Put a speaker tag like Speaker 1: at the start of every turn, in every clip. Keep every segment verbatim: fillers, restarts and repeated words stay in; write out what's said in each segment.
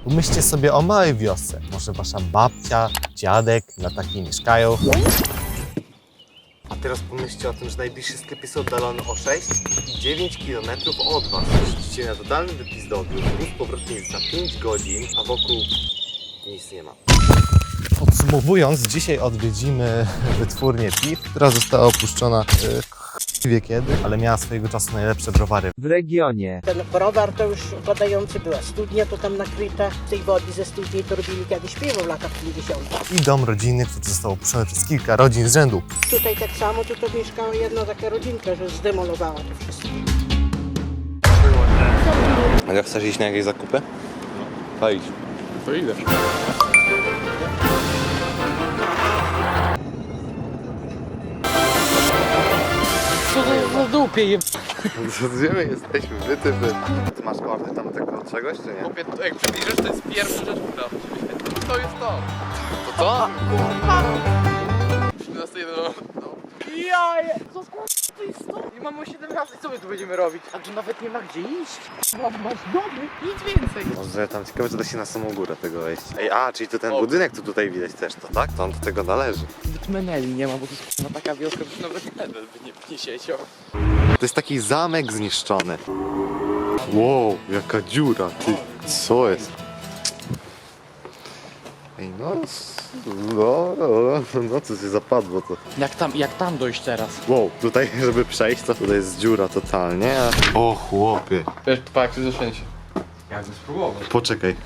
Speaker 1: Pomyślcie sobie o małej wiosce. Może wasza babcia, dziadek na takiej mieszkają. A teraz pomyślcie o tym, że najbliższy sklep jest oddalony o sześć i dziewięć kilometrów od was. Jeździcie na totalny wypis do odbiór. Ruch powrotny jest za pięć godzin, a wokół nic nie ma. Podsumowując, dzisiaj odwiedzimy wytwórnię piw, która została opuszczona yy, wie kiedy, ale miała swojego czasu najlepsze browary
Speaker 2: w regionie.
Speaker 3: Ten browar to już badający była studnia, to tam nakryta. Tej wody ze studni to robili kiedyś piwo w latach pięćdziesiątych.
Speaker 1: i dom rodzinny, który został opuszczony przez kilka rodzin z rzędu.
Speaker 3: Tutaj tak samo, tu to mieszkała jedna taka rodzinka, że zdemolowała to wszystko.
Speaker 4: Ale chcesz iść na jakieś zakupy? No. Idź.
Speaker 5: To idę.
Speaker 2: Co to za dupie je...
Speaker 4: Gdzie my jesteśmy? Wy, ty, wy. Ty masz kartę tam tego czegoś, czy nie?
Speaker 5: Chłopie, to jak przybliżysz, to jest pierwsza rzecz, która to jest to.
Speaker 4: To to?
Speaker 5: siedemnaście jeden.
Speaker 2: Jaje! Co to jest to? I mamy siedemnaście, co my tu będziemy robić? A tu nawet nie ma gdzie iść. Masz domy, nic więcej.
Speaker 4: Może tam ciekawe, czy da się na samą górę tego wejść. Ej, a, czyli to ten
Speaker 5: O.
Speaker 4: budynek, tu tutaj widać też, to tak? To on do tego należy.
Speaker 2: Nawet meneli nie ma, bo to jest na taka wioska.
Speaker 5: Nawet medal by nie, nie siedział.
Speaker 4: To jest taki zamek zniszczony. Wow, jaka dziura, ty. Co jest? Ej, no, no, no, no co się zapadło to.
Speaker 2: Jak tam, jak tam dojść teraz?
Speaker 4: Wow, tutaj, żeby przejść, to tutaj jest dziura totalnie. A... O, chłopie.
Speaker 5: Wiesz, to jak ty zaczęcie. Jakby spróbował.
Speaker 4: Poczekaj.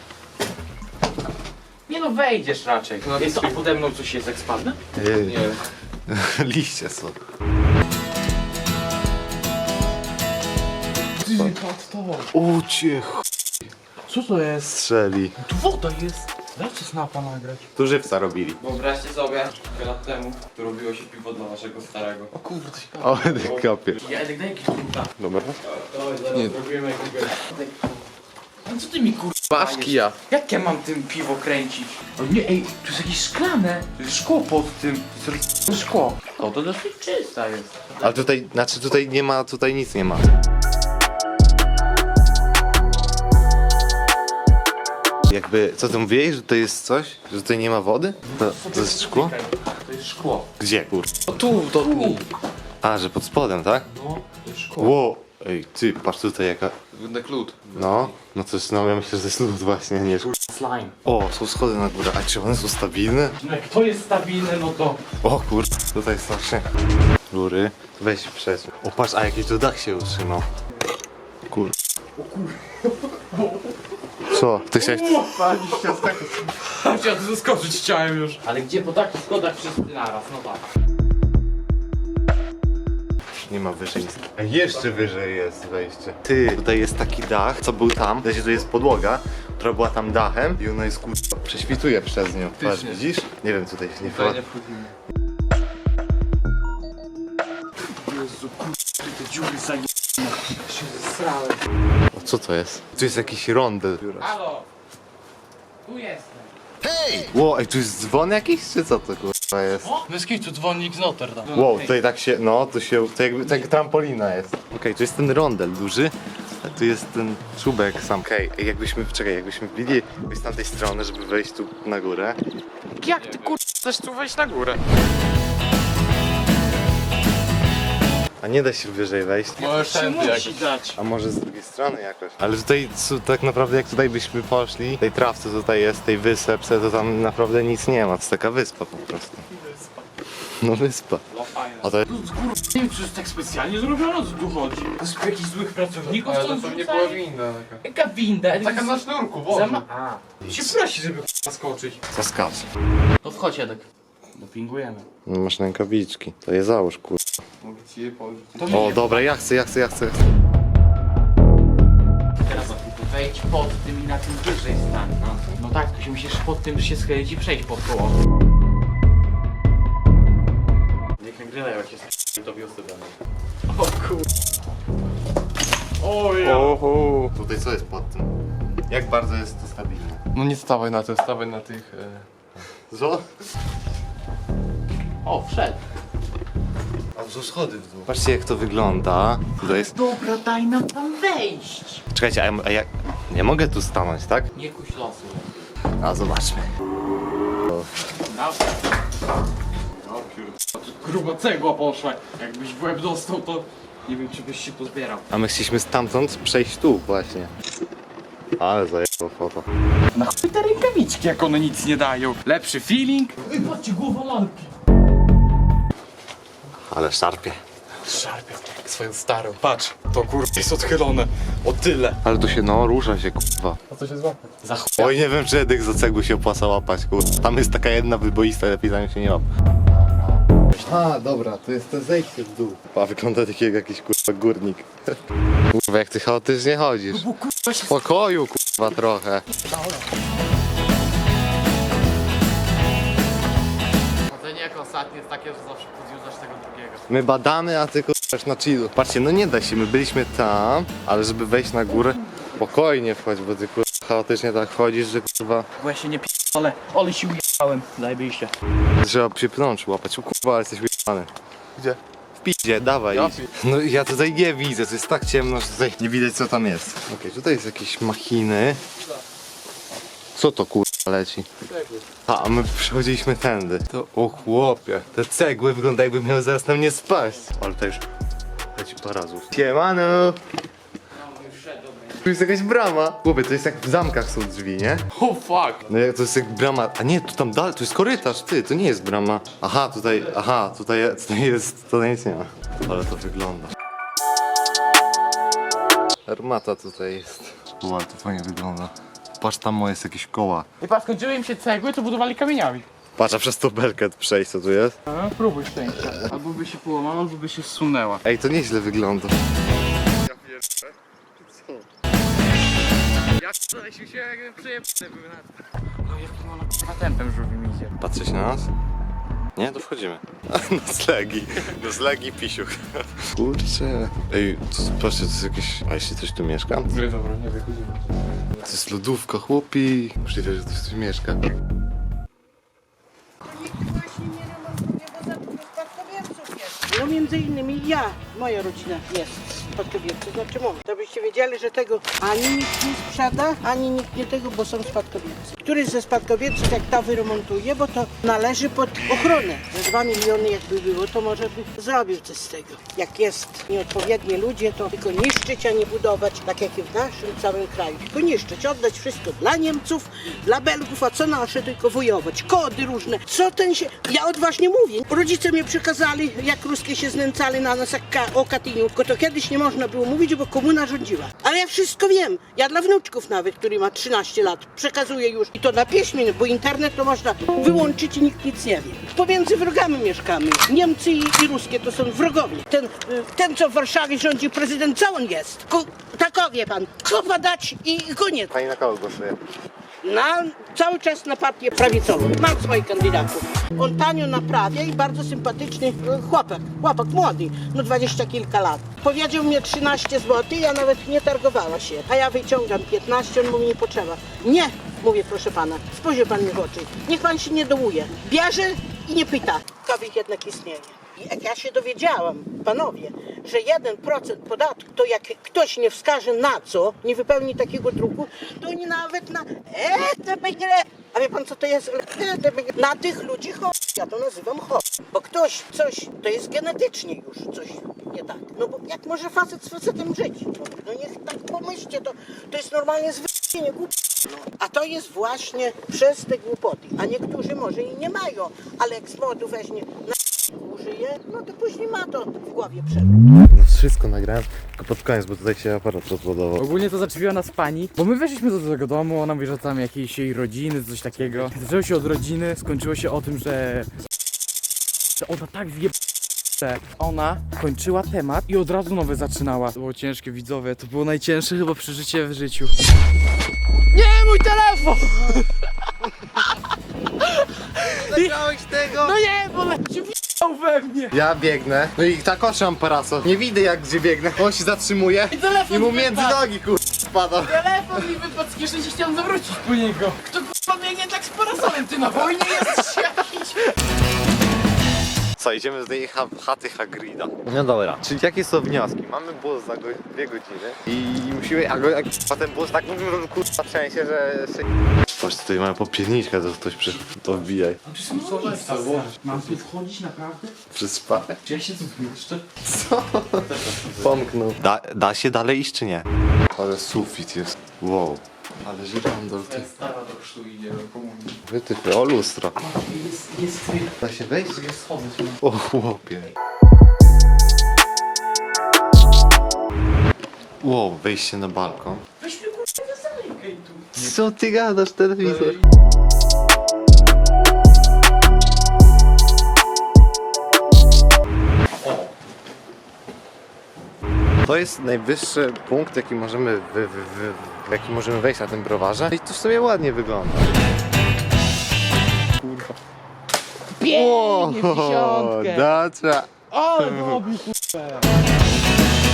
Speaker 2: Nie no, wejdziesz raczej.
Speaker 5: No,
Speaker 2: Jest to, a pode mną coś jest, jak spadnę?
Speaker 4: Ej,
Speaker 5: Nie.
Speaker 4: liście są.
Speaker 5: Ty, patrz to.
Speaker 4: O cię ch...
Speaker 2: Co to jest?
Speaker 4: strzeli.
Speaker 2: Tu woda jest. Dajcie snapa nagrać.
Speaker 4: Tu żywca robili.
Speaker 6: Wyobraźcie sobie, kilka lat temu, to robiło się piwo dla naszego starego.
Speaker 5: O kurde, się
Speaker 4: O, ty kapie.
Speaker 2: Ja Edek, daj jakiś kurwa.
Speaker 4: Dobra.
Speaker 6: To zaraz
Speaker 5: Nie.
Speaker 6: zrobimy jakiegoś...
Speaker 2: A co ty mi kurwa?
Speaker 5: Masz kija.
Speaker 2: Jak ja mam tym piwo kręcić? O nie, ej, tu jest jakieś szklane. To jest szkło pod tym. To jest roz- szkło. O, to dosyć czysta jest.
Speaker 4: Ale tutaj, znaczy tutaj nie ma, tutaj nic nie ma. Jakby, co ty mówiłeś, że to jest coś? Że tutaj nie ma wody? To, to jest szkło?
Speaker 2: To jest szkło.
Speaker 4: Gdzie, kur...
Speaker 5: O tu, to tu.
Speaker 4: A, że pod spodem, tak?
Speaker 2: No, to jest szkło.
Speaker 4: Wow. Ej, ty, patrz tutaj jaka...
Speaker 5: Wygląda lód.
Speaker 4: No, no to jest, no ja myślę, że to jest lód właśnie, nie szkło.
Speaker 2: Slime.
Speaker 4: O, są schody na górę, a czy one są stabilne?
Speaker 2: No jak to jest stabilne, no to...
Speaker 4: O kur... tutaj są się góry. Weź przez. O patrz, a jaki tu dach się utrzymał. Kur... Co? Ty chciałeś...
Speaker 2: Chciałem zaskoczyć, chciałem już. Ale gdzie po takich schodach wszyscy naraz, no tak.
Speaker 4: Nie ma wyżej nic. A jeszcze wyżej jest wejście. Ty, tutaj jest taki dach, co był tam. Wiecie, tu jest podłoga, która była tam dachem i ona jest kur... prześwituje przez nią. Patrz,
Speaker 5: Faktycznie.
Speaker 4: widzisz? Nie wiem, tutaj się nie
Speaker 5: Tutaj
Speaker 4: wchodzi.
Speaker 5: nie wchodzimy.
Speaker 2: Jezu, kurwa, te dziury zaje... się zesrałem.
Speaker 4: O, co to jest? Tu jest jakiś rondel.
Speaker 2: Halo! Tu jestem.
Speaker 4: Wow, ej, tu jest dzwon jakiś, czy co to kurwa jest?
Speaker 2: Wyski tu dzwonnik z Notre Dame.
Speaker 4: Wow, tutaj tak się, no, tu się, to jakby, tak trampolina jest. Okej, okay, tu jest ten rondel duży, a tu jest ten czubek sam. Okej, okay, jakbyśmy, czekaj, jakbyśmy wbili z tamtej strony, żeby wejść tu na górę.
Speaker 2: Jak ty kurwa chcesz tu wejść na górę?
Speaker 4: A nie da się wyżej wejść.
Speaker 5: Możesz tędy jakoś.
Speaker 2: Musi dać.
Speaker 4: A może z drugiej strony jakoś? Ale tutaj su- tak naprawdę jak tutaj byśmy poszli, tej trawce tutaj jest, tej wysepce, to tam naprawdę nic nie ma. To jest taka wyspa po prostu. No wyspa.
Speaker 2: No fajne.
Speaker 4: A to jest...
Speaker 2: Kurwa, nie wiem, czy jest tak specjalnie zrobione, o co tu chodzi? To jest jakichś złych pracowników,
Speaker 5: Ale
Speaker 2: co
Speaker 5: to
Speaker 2: tam
Speaker 5: nie
Speaker 2: wrzucali?
Speaker 5: była winda taka.
Speaker 2: Jaka winda?
Speaker 5: Taka na sznurku,
Speaker 2: Za
Speaker 5: Boże.
Speaker 2: ma... A. Się prosi, żeby k***a skoczyć.
Speaker 4: Co skacz?
Speaker 2: To wchodź, Edek. Dopingujemy.
Speaker 4: No masz rękawiczki. To je załóż, kur...
Speaker 5: Mogę ci je położyć.
Speaker 2: To
Speaker 4: O,
Speaker 2: nie.
Speaker 4: dobra, ja chcę, ja chcę, ja chcę.
Speaker 2: Teraz wejdź pod tym i na tym wyżej stań. No, no tak, tu się musisz pod tym się schylić i przejść pod koło. Niech nagrywają, jak jest to wiosny dane. O kur... O ja.
Speaker 4: Oho. Tutaj co jest pod tym? Jak bardzo jest to stabilne?
Speaker 5: No nie stawaj na tym, stawaj na tych... E...
Speaker 4: Co?
Speaker 2: O, wszedł.
Speaker 4: A to są schody w dół. Patrzcie jak to wygląda. Tutaj jest...
Speaker 2: Dobra, daj nam tam wejść.
Speaker 4: Czekajcie, a, ja- a jak... Nie mogę tu stanąć, tak?
Speaker 6: Nie kuś losu.
Speaker 4: A zobaczmy.
Speaker 6: Gruba cegła poszła. Jakbyś w łeb dostał, to nie wiem, czy byś się pozbierał.
Speaker 4: A my chcieliśmy stamtąd przejść tu właśnie. Ale zajęło foto.
Speaker 6: Na chuj te rękawiczki, jak one nic nie dają. Lepszy feeling. Ej, patrzcie, głowa lalki.
Speaker 4: Ale szarpie.
Speaker 6: Szarpie jak swoją starą. Patrz, to kurwa jest odchylone. O tyle.
Speaker 4: Ale tu się no rusza się kurwa.
Speaker 6: A co się złapie? Za chuj.
Speaker 4: Oj, nie wiem, czy Edek za cegły się opłaca łapać, kurwa. Tam jest taka jedna wyboista, lepiej za nią się nie łap. A, dobra, to jest to zejście w dół. A wygląda tak jak jakiś kurwa górnik. Kurwa, jak ty chaotycznie chodzisz. W spokoju, kurwa, trochę.
Speaker 5: Chodzenie jako ostatnie jest takie, że zawsze podjeżdżasz tego drugiego.
Speaker 4: My badamy, a ty kurwa na chillu. Patrzcie, no nie da się, my byliśmy tam, ale żeby wejść na górę, spokojnie wchodź, bo ty kurwa chaotycznie tak chodzisz, że kurwa
Speaker 2: Bo ja się nie p***ole, ale się ujechałem. Zajebiście.
Speaker 4: trzeba się pnącz łapać. O kurwa, ale jesteś ujebany.
Speaker 5: Gdzie?
Speaker 4: W piździe, dawaj.
Speaker 5: Ja
Speaker 4: No ja tutaj nie widzę, to jest tak ciemno, że tutaj nie widać co tam jest. Okej, tutaj jest jakieś machiny. Co to kurwa leci? A, a my przechodziliśmy tędy. To o chłopie, te cegły wyglądają jakby miały zaraz na mnie spaść. Ale to już leci parę razów. Siemano! Tu jest jakaś brama. Chłopie, to jest jak w zamkach są drzwi, nie?
Speaker 6: Oh fuck.
Speaker 4: No jak to jest jak brama, a nie, tu tam dalej, to jest korytarz, ty, to nie jest brama. Aha, tutaj, aha, tutaj, tutaj jest, tutaj nic nie ma. Ale to wygląda. Armata tutaj jest. O, ale to fajnie wygląda. Patrz, tam jest jakieś koła.
Speaker 2: I patrz, skończyły im się cegły, to budowali kamieniami.
Speaker 4: Patrz, a przez to belkę przejść, co tu jest?
Speaker 2: No, próbuj szczęścia.
Speaker 6: Albo by się połamała, albo by się zsunęła.
Speaker 4: Ej, to nieźle wygląda.
Speaker 5: Ja znaleźlił się jak przyjemny były na
Speaker 6: No jakim ona kurwa tempem żółwim idzie.
Speaker 4: Patrzeć na nas? Nie, to wchodzimy. Noclegi, noclegi pisiuch. Kurczę. Ej, to, patrzcie, to jest jakieś... A jeśli coś tu mieszka?
Speaker 6: Nie, dobra, nie wychodzimy.
Speaker 4: To jest lodówka, chłopi. Możliwe, że ktoś tu mieszka.
Speaker 3: No między innymi ja, moja rodzina jest spadkobiercy, znaczy mam. To byście wiedzieli, że tego ani nikt nie sprzeda, ani nikt nie tego, bo są spadkobiercy. Któryś ze spadkobierców jak ta wyremontuje, bo to należy pod ochronę. Za dwa miliony jakby było, to może by zrobił coś z tego. Jak jest nieodpowiednie ludzie, to tylko niszczyć, a nie budować, tak jak i w naszym całym kraju. Tylko niszczyć, oddać wszystko dla Niemców, dla Belgów, a co nasze, tylko wojować. Kody różne. Co ten się... Ja odważnie mówię. Rodzice mnie przekazali, jak ruskie się znęcali na nas jak ka- o Katyniu. Tylko to kiedyś nie można było mówić, bo komuna rządziła. Ale ja wszystko wiem. Ja dla wnuczków nawet, który ma trzynaście lat, przekazuję już. I to na piśmie, bo internet to można wyłączyć i nikt nic nie wie. Pomiędzy wrogami mieszkamy. Niemcy i, i ruskie to są wrogowie. Ten, y, ten, co w Warszawie rządzi prezydent, co on jest? Ku, takowie pan. Kopa dać i koniec.
Speaker 4: Pani na kogo głosuje?
Speaker 3: Na, cały czas na partię prawicową. Mam swoich kandydatów. On tanio naprawia i bardzo sympatyczny e, chłopak. Chłopak młody, no dwadzieścia kilka lat. Powiedział mnie trzynaście złotych, ja nawet nie targowała się. A ja wyciągam piętnaście, on mówi nie potrzeba. Nie, mówię proszę pana, spojrzy pan mi w oczy. Niech pan się nie dołuje. Bierze i nie pyta. Kobiet jednak istnieje. I jak ja się dowiedziałam, panowie, że jeden procent podatku, to jak ktoś nie wskaże na co, nie wypełni takiego druku, to oni nawet na e, te będzie, a wie pan co to jest? E, te będzie, na tych ludzi chodzi. Ja to nazywam chodzi. Bo ktoś coś, to jest genetycznie już coś nie tak. No bo jak może facet z facetem żyć? No, no niech tak pomyślcie, to, to jest normalnie zwyczajnie głupie. No, a to jest właśnie przez te głupoty. A niektórzy może i nie mają, ale jak z modu weźmie na użyje, no to później ma to w głowie przewrót.
Speaker 4: No wszystko nagrałem, tylko pod koniec, bo tutaj się aparat rozładował.
Speaker 2: Ogólnie to zaczepiła nas pani, bo my weszliśmy do tego domu, ona mówi, że tam jakiejś jej rodziny, coś takiego. Zaczęło się od rodziny, skończyło się o tym, że... że ona tak zjeb... Ona kończyła temat i od razu nowe zaczynała. To było ciężkie, widzowie, to było najcięższe chyba przeżycie w życiu. Nie, mój telefon!
Speaker 1: Zagrałeś tego?
Speaker 2: No nie, bo się w***ał we mnie!
Speaker 4: Ja biegnę, no i tak otrzymam parasol. Nie widzę jak gdzie biegnę, on się zatrzymuje
Speaker 2: I telefon
Speaker 4: i mu
Speaker 2: mi
Speaker 4: między
Speaker 2: wypadł.
Speaker 4: nogi kur... spada.
Speaker 2: Telefon mi wypadł z kieszeni, chciałem zawrócić po niego. Kto k***a biegnie tak z parasolem? Ty na wojnie jesteś jakiś?
Speaker 4: Co, idziemy z tej ha chaty Hagrida. No dobra, czyli jakie są wnioski? Mamy bus za go dwie godziny i musimy, a, go, a potem bus tak kurwa trzęsie, że się... Patrz, tutaj mamy popierniczkę, to ktoś przy... to wbijaj.
Speaker 2: Mam tu wchodzić naprawdę?
Speaker 4: Przez szpachę?
Speaker 2: Czy ja się tu zmieszczę?
Speaker 4: Pomknął. Da, da się dalej iść czy nie? Ale sufit jest. Wow. Ale żyrandol ty.
Speaker 5: Stara do chrztu idzie do komunii.
Speaker 4: Wytyfy, o lustro.
Speaker 2: Jest, jest,
Speaker 4: Da się wejść?
Speaker 2: jest schody.
Speaker 4: O chłopie. Wow, wejście na balkon.
Speaker 2: Weź mnie kurwa, nie zamykaj tu.
Speaker 4: Co ty gadasz, telewizor? To jest najwyższy punkt, jaki możemy, wy, wy, wy, w jaki możemy wejść na tym browarze. I to w sobie ładnie wygląda. Kurwa.
Speaker 2: Pięknie, w dziesiątkę.
Speaker 4: Dacia.
Speaker 2: Ale robił kurwa.